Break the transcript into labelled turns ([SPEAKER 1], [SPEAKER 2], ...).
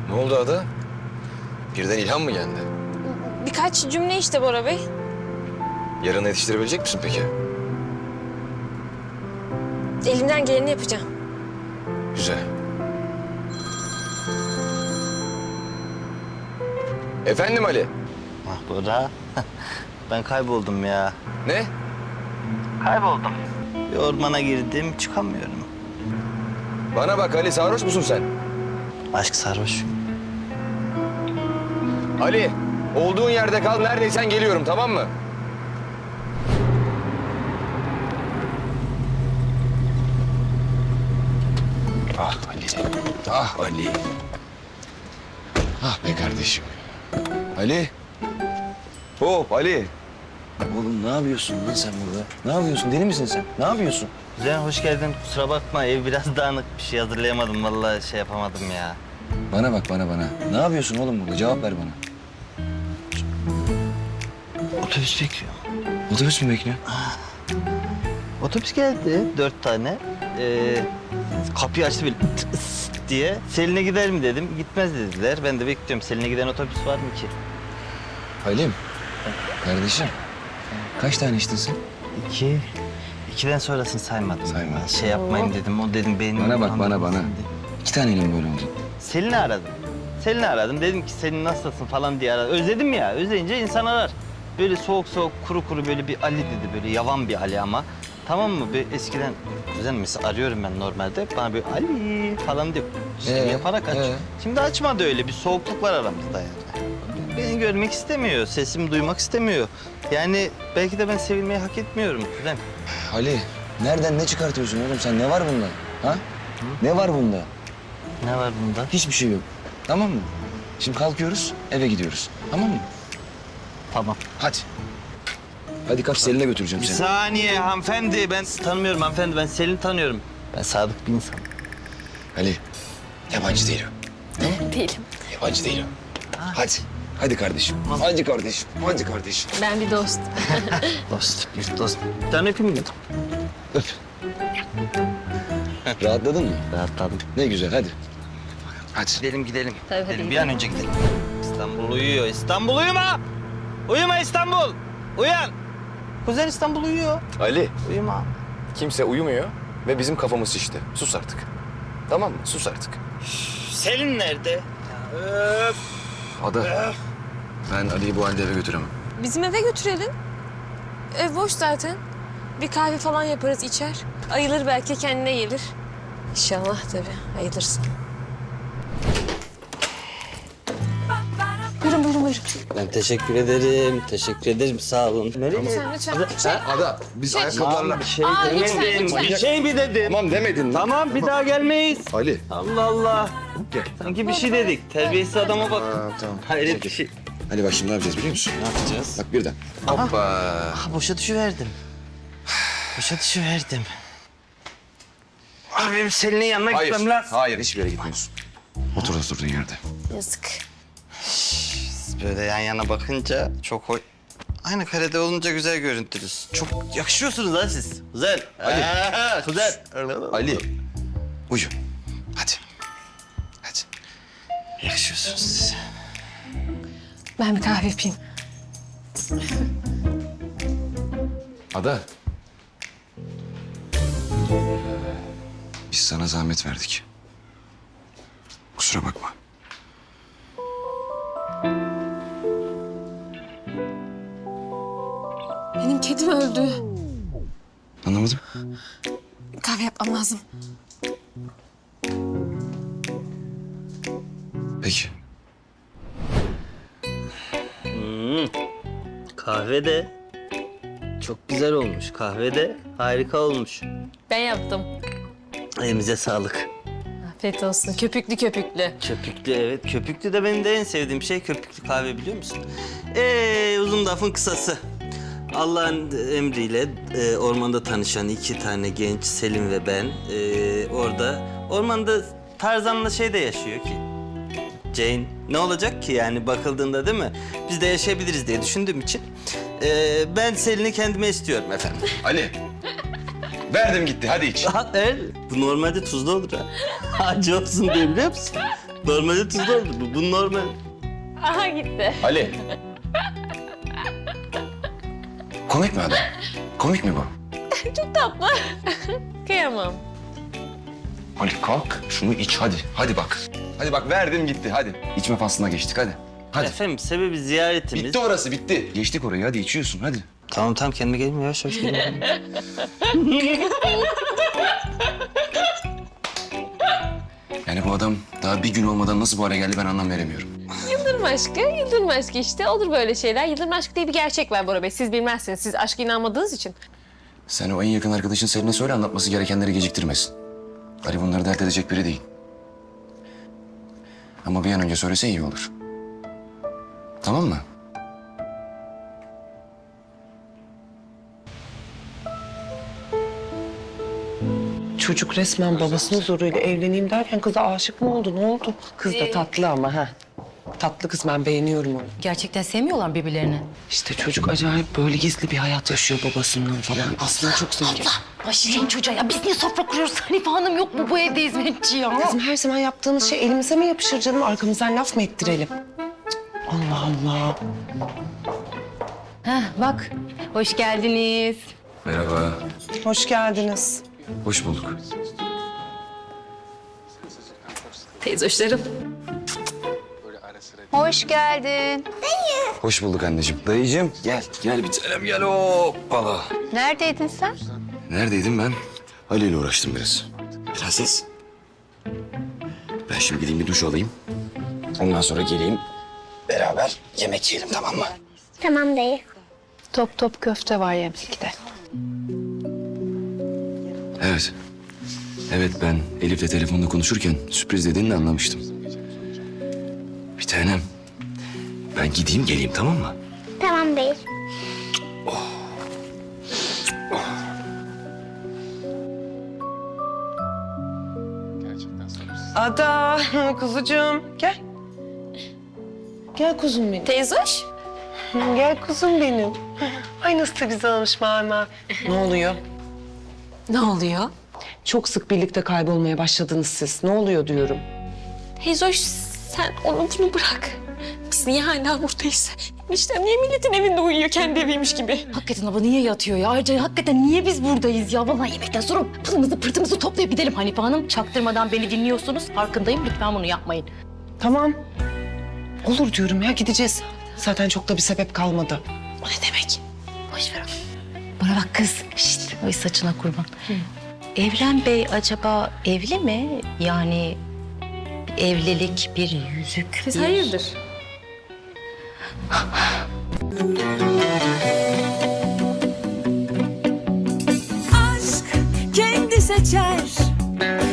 [SPEAKER 1] Ne oldu Ada? Birden ilham mı geldi?
[SPEAKER 2] Birkaç cümle işte Bora Bey.
[SPEAKER 1] Yarın yetiştirebilecek misin peki?
[SPEAKER 2] Elimden geleni yapacağım.
[SPEAKER 1] Güzel. Efendim Ali?
[SPEAKER 3] Ah Bora, ben kayboldum ya.
[SPEAKER 1] Ne?
[SPEAKER 3] Kayboldum. Bir ormana girdim, çıkamıyorum.
[SPEAKER 1] Bana bak Ali, sarhoş musun sen?
[SPEAKER 3] Aşk sarhoş.
[SPEAKER 1] Ali, olduğun yerde kal, neredeysen geliyorum, tamam mı? Ah Ali, ah Ali. Ah be kardeşim. Ali. Hop Ali. Oğlum ne yapıyorsun lan sen burada? Ne yapıyorsun? Deli misin sen? Ne yapıyorsun?
[SPEAKER 3] Güzel, hoş geldin. Kusura bakma, ev biraz dağınık. Bir şey hazırlayamadım. Vallahi şey yapamadım ya.
[SPEAKER 1] Bana bak bana. Ne yapıyorsun oğlum burada? Cevap ver bana.
[SPEAKER 3] Otobüs bekliyor.
[SPEAKER 1] Otobüs mü bekliyor?
[SPEAKER 3] Otobüs geldi, 4 tane. Kapıyı açtı böyle tıs diye. Selin'e gider mi dedim. Gitmez dediler. Ben de bekliyorum. Selin'e giden otobüs var mı ki?
[SPEAKER 1] Halim. Kardeşim. Kaç tane içtin sen?
[SPEAKER 3] 2. 2'den sonrasını saymadım.
[SPEAKER 1] Saymadın.
[SPEAKER 3] Şey yapmayayım dedim. O dedim benim...
[SPEAKER 1] Bana bak bana. 2 taneyle mi böyle oldu?
[SPEAKER 3] Selin'i aradım. Dedim ki Selin nasılsın falan diye aradım. Özledim ya. Özleyince insan arar. Böyle soğuk kuru böyle bir Ali dedi. Böyle yavan bir Ali ama. Tamam mı? Böyle eskiden düzen mesela arıyorum ben normalde. Bana böyle Ali falan diyor. Yaparak aç. Şimdi açmadı öyle. Bir soğukluk var aramızda yani. Beni görmek istemiyor. Sesimi duymak istemiyor. Yani belki de ben sevilmeyi hak etmiyorum Kuzen.
[SPEAKER 1] Ali, nereden ne çıkartıyorsun oğlum sen? Ne var bunda? Ha? Ne var bunda?
[SPEAKER 3] Ne var bunda?
[SPEAKER 1] Hiçbir şey yok. Tamam mı? Şimdi kalkıyoruz, eve gidiyoruz. Tamam mı?
[SPEAKER 3] Tamam.
[SPEAKER 1] Hadi. Hadi kalk Selin'e götüreceğim
[SPEAKER 3] Bir
[SPEAKER 1] seni.
[SPEAKER 3] saniye hanımefendi. Ben tanımıyorum hanımefendi. Ben Selin'i tanıyorum. Ben sadık bir insanım.
[SPEAKER 1] Ali, yabancı değil o.
[SPEAKER 2] Değilim.
[SPEAKER 1] Yabancı değil o. Hadi. Hadi kardeşim. Hadi kardeşim. Hadi kardeşim.
[SPEAKER 2] Ben bir dost.
[SPEAKER 3] Dost. Bir tane öpeyim mi?
[SPEAKER 1] Öp. Rahatladın mı?
[SPEAKER 3] Rahatladım.
[SPEAKER 1] Ne güzel hadi. Hadi.
[SPEAKER 3] Gidelim.
[SPEAKER 2] Tabii, hadi
[SPEAKER 3] Bir
[SPEAKER 2] gidelim.
[SPEAKER 3] an önce gidelim. İstanbul uyuyor. İstanbul uyuma! Uyuma İstanbul! Uyan! Kuzen İstanbul uyuyor.
[SPEAKER 1] Ali,
[SPEAKER 3] Uyuma.
[SPEAKER 1] kimse uyumuyor ve bizim kafamız şişti. Sus artık. Tamam mı? Sus artık.
[SPEAKER 3] Selin nerede?
[SPEAKER 1] Ada, ben Ali'yi bu halde eve götüremem.
[SPEAKER 2] Bizim eve götürelim. Ev boş zaten. Bir kahve falan yaparız, içer. Ayılır belki, kendine gelir. İnşallah tabii, ayılırsın. Buyurun.
[SPEAKER 3] Ben teşekkür ederim. Sağ olun. Nereye?
[SPEAKER 2] Lütfen.
[SPEAKER 1] Ada, biz ayakkabılarla...
[SPEAKER 3] Bir şey
[SPEAKER 2] Aa,
[SPEAKER 3] demedim.
[SPEAKER 2] lütfen.
[SPEAKER 3] Bir şey mi dedim?
[SPEAKER 1] Tamam demedin.
[SPEAKER 3] Tamam bir daha gelmeyiz.
[SPEAKER 1] Ali.
[SPEAKER 3] Allah Allah.
[SPEAKER 1] Gel.
[SPEAKER 3] Sanki bir şey dedik. Terbiyesiz adama bak.
[SPEAKER 1] Tamam.
[SPEAKER 3] Hayret bir şey.
[SPEAKER 1] Ali bak şimdi ne yapacağız biliyor musun?
[SPEAKER 3] Ne yapacağız?
[SPEAKER 1] Bak birden. Hoppa.
[SPEAKER 3] Ah boşa düşüverdim. Abi benim Selin'in yanına gitmem lazım.
[SPEAKER 1] Hayır hiçbir yere gitmiyorsun. Otur oturduğun yerde.
[SPEAKER 2] Yazık.
[SPEAKER 3] Böyle yan yana bakınca çok hoş. Aynı karede olunca güzel görüntünüz. Çok yakışıyorsunuz ha siz. Güzel.
[SPEAKER 1] Ali.
[SPEAKER 3] Güzel.
[SPEAKER 1] Ali. Uyu. Hadi. Hadi.
[SPEAKER 3] Yakışıyorsunuz siz.
[SPEAKER 2] Ben bir kahve yapayım.
[SPEAKER 1] Ada. Biz sana zahmet verdik. Kusura bakma.
[SPEAKER 2] Benim kedim öldü.
[SPEAKER 1] Anlamadım.
[SPEAKER 2] Kahve yapmam lazım.
[SPEAKER 1] Peki.
[SPEAKER 3] Kahve de çok güzel olmuş. Kahve de harika olmuş.
[SPEAKER 2] Ben yaptım.
[SPEAKER 3] Elimize sağlık.
[SPEAKER 2] Afiyet olsun. Köpüklü.
[SPEAKER 3] Köpüklü evet. Köpüklü de benim de en sevdiğim şey köpüklü kahve biliyor musun? Uzun lafın kısası. Allah'ın emriyle ormanda tanışan 2 tane genç Selim ve ben orada ormanda Tarzan'la şey de yaşıyor ki. Jane ne olacak ki yani bakıldığında değil mi? Biz de yaşayabiliriz diye düşündüğüm için ben Selin'i kendime istiyorum efendim.
[SPEAKER 1] Ali. Verdim gitti hadi iç.
[SPEAKER 3] Bu normalde tuzlu olur ha. Acı olsun diye biliyor musun? Normalde tuzlu oldu. Bu normal.
[SPEAKER 2] Aha gitti.
[SPEAKER 1] Ali. Komik mi adam? Komik mi bu?
[SPEAKER 2] Çok tatlı. Kıyamam.
[SPEAKER 1] Ali kalk şunu iç hadi. Hadi bak. Hadi bak verdim gitti hadi. İçme faslına geçtik hadi. Hadi.
[SPEAKER 3] Efendim sebebi ziyaretimiz.
[SPEAKER 1] Bitti orası bitti. Geçtik orayı hadi içiyorsun hadi.
[SPEAKER 3] Tamam kendime geleyim yavaş yavaş geleyim.
[SPEAKER 1] Yani bu adam daha bir gün olmadan nasıl bu hale geldi ben anlam veremiyorum.
[SPEAKER 2] Yıldırım aşkı işte. Olur böyle şeyler. Yıldırım aşkı diye bir gerçek var Bora Bey. Siz bilmezsiniz. Siz aşka inanmadığınız için.
[SPEAKER 1] Sen o en yakın arkadaşın Selin'e söyle anlatması gerekenleri geciktirmesin. Ali bunları dert edecek biri değil. Ama bir an önce söylese iyi olur. Tamam mı?
[SPEAKER 4] Çocuk resmen babasının zoruyla evleneyim derken kıza aşık mı oldu? Ne oldu? Kız da tatlı ama ha. Tatlı kız ben beğeniyorum onu.
[SPEAKER 5] Gerçekten sevmiyorlar birbirlerini.
[SPEAKER 4] İşte çocuk acayip böyle gizli bir hayat yaşıyor babasından falan. Aslında çok zengin.
[SPEAKER 5] Başlayın çocuğa ya. Biz niye sofra kuruyoruz? Hanife Hanım yok mu bu evde hizmetçi ya?
[SPEAKER 4] Bizim her zaman yaptığımız şey elimize mi yapışır canım? Arkamızdan laf mı ettirelim? Cık, Allah Allah.
[SPEAKER 5] Heh, bak. Hoş geldiniz.
[SPEAKER 1] Merhaba.
[SPEAKER 4] Hoş geldiniz.
[SPEAKER 1] Hoş bulduk.
[SPEAKER 2] Teyzoşlarım.
[SPEAKER 5] Hoş geldin.
[SPEAKER 1] Hoş bulduk anneciğim. Dayıcığım gel. Gel bir tanem gel hoppala.
[SPEAKER 5] Neredeydin sen?
[SPEAKER 1] Neredeydim ben? Ali ile uğraştım biraz. Prenses. Ben şimdi gideyim bir duş alayım. Ondan sonra geleyim. Beraber yemek yiyelim tamam mı?
[SPEAKER 6] Tamam dayı.
[SPEAKER 5] Top top köfte var yemekte.
[SPEAKER 1] Evet. Evet ben Elif'le telefonda konuşurken sürpriz dediğini de anlamıştım. Bir tanem. Ben gideyim geleyim tamam mı?
[SPEAKER 6] Tamam dayı.
[SPEAKER 4] Ada, kuzucuğum gel. Gel kuzum benim.
[SPEAKER 2] Teyzoş.
[SPEAKER 4] Gel kuzum benim. Ay nasıl da güzel olmuş mama. Ne oluyor?
[SPEAKER 2] Ne oluyor?
[SPEAKER 4] Çok sık birlikte kaybolmaya başladınız siz. Ne oluyor diyorum.
[SPEAKER 2] Teyzoş sen onu bunu bırak. Biz niye hala buradayız? Eniştem niye milletin evinde uyuyor kendi eviymiş gibi?
[SPEAKER 5] Hakikaten abla niye yatıyor ya? Ayrıca hakikaten niye biz buradayız ya? Vallahi yemekten sonra pılımızı pırtımızı toplayıp gidelim Hanife Hanım. Çaktırmadan beni dinliyorsunuz. Farkındayım. Lütfen bunu yapmayın.
[SPEAKER 4] Tamam. Olur diyorum ya gideceğiz. Zaten çok da bir sebep kalmadı.
[SPEAKER 2] O ne demek?
[SPEAKER 5] Boş ver onu. Bana bak kız. Şişt. Ay saçına kurban. Evren Bey acaba evli mi? Yani bir evlilik, bir yüzük.
[SPEAKER 2] Siz
[SPEAKER 5] bir...
[SPEAKER 2] hayırdır?
[SPEAKER 7] Aşk kendi seçer